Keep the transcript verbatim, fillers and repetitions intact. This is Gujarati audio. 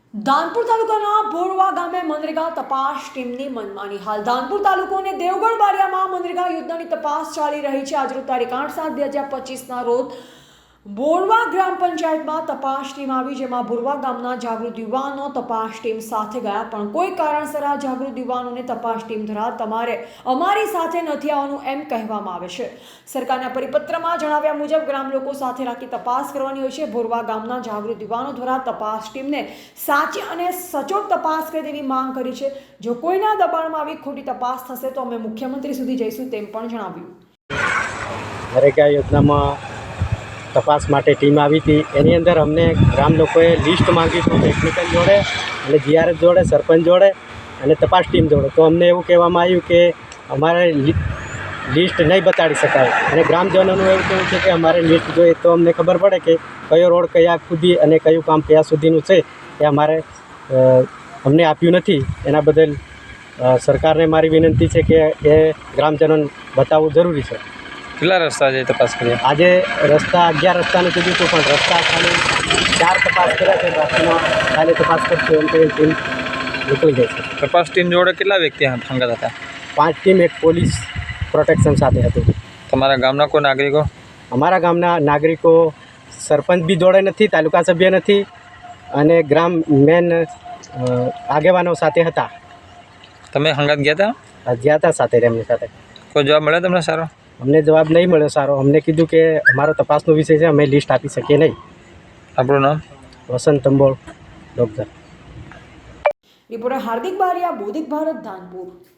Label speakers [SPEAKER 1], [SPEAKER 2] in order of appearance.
[SPEAKER 1] ધાનપુર તાલુકાના ભોરવા ગામે મનરેગા તપાસ ટીમની મનમાની. હાલ ધાનપુર તાલુકો અને દેવગઢ બારિયામાં મનરેગા યોજનાની તપાસ ચાલી રહી છે. આજરોજ તારીખ આઠ સાત બે હજાર પચીસના રોજ બોરવા ગ્રામ પંચાયતમાં તપાસ ટીમ આવી, જેમાં બોરવા ગામના જાગૃત યુવાનો તપાસ ટીમ સાથે ગયા, પણ કોઈ કારણસર આ જાગૃત યુવાનોને તપાસ ટીમ દ્વારા તમારે અમારી સાથે નથી આવવાનું એમ કહેવામાં આવે છે. સરકારના પરિપત્રમાં જણાવ્યા મુજબ ગ્રામ લોકો સાથે રાખી તપાસ કરવાની હોય છે. બોરવા ગામના જાગૃત યુવાનો દ્વારા તપાસ ટીમને સાચી અને સચોટ તપાસ કરે તેવી માંગ કરી છે. જો કોઈના દબાણમાં આવી ખોટી તપાસ થશે તો અમે મુખ્યમંત્રી સુધી જઈશું તેમ પણ જણાવ્યું.
[SPEAKER 2] નરેગા યોજનામાં તપાસ માટે ટીમ આવી હતી. એની અંદર અમને ગ્રામ લોકોએ લિસ્ટ માંગ્યું હતું ટેકનિકલ જોડે અને જીઆરએફ જોડે, સરપંચ જોડે અને તપાસ ટીમ જોડે. તો અમને એવું કહેવામાં આવ્યું કે અમારે લિસ્ટ નહીં બતાડી શકાય અને ગ્રામજનોનું એવું કહેવું છે કે અમારે લિસ્ટ જોઈએ તો અમને ખબર પડે કે કયો રોડ કયા સુધી અને કયું કામ કયા સુધીનું છે એ અમારે અમને આપ્યું નથી. એના બદલ સરકારને મારી વિનંતી છે કે એ ગ્રામજનોને બતાવવું જરૂરી છે.
[SPEAKER 3] કેટલા રસ્તા છે તપાસ કરી?
[SPEAKER 2] આજે રસ્તા અગિયાર રસ્તાનું કીધું હતું, પણ રસ્તા ખાલી ચાર તપાસ કર્યા છે. બાકીમાં કાલે તપાસ કરશું એમ કઈ ટીમ નીકળી જાય છે.
[SPEAKER 3] તપાસ ટીમ જોડે કેટલા વ્યક્તિ સંગત હતા?
[SPEAKER 2] પાંચ ટીમ, એક પોલીસ પ્રોટેક્શન સાથે હતું.
[SPEAKER 3] તમારા ગામના કોઈ નાગરિકો?
[SPEAKER 2] અમારા ગામના નાગરિકો સરપંચ બી જોડે નથી, તાલુકા સભ્ય નથી અને ગ્રામ મેન આગેવાનો સાથે હતા.
[SPEAKER 3] તમે સંગત ગયા હતા?
[SPEAKER 2] ગયા હતા સાથે એમની સાથે.
[SPEAKER 3] કોઈ જવાબ મળ્યો તમને સારો?
[SPEAKER 2] અમને જવાબ નહીં મળ્યો સારો. અમને કીધું કે અમારો તપાસનો વિષય છે, અમે લિસ્ટ આપી શકીએ નહીં.
[SPEAKER 3] આપણું નામ?
[SPEAKER 2] વસંત તંબોળ, ડોક્ટર.
[SPEAKER 1] રિપોર્ટર હાર્દિક બારિયા, બોધિક ભારત, ધાનપુર.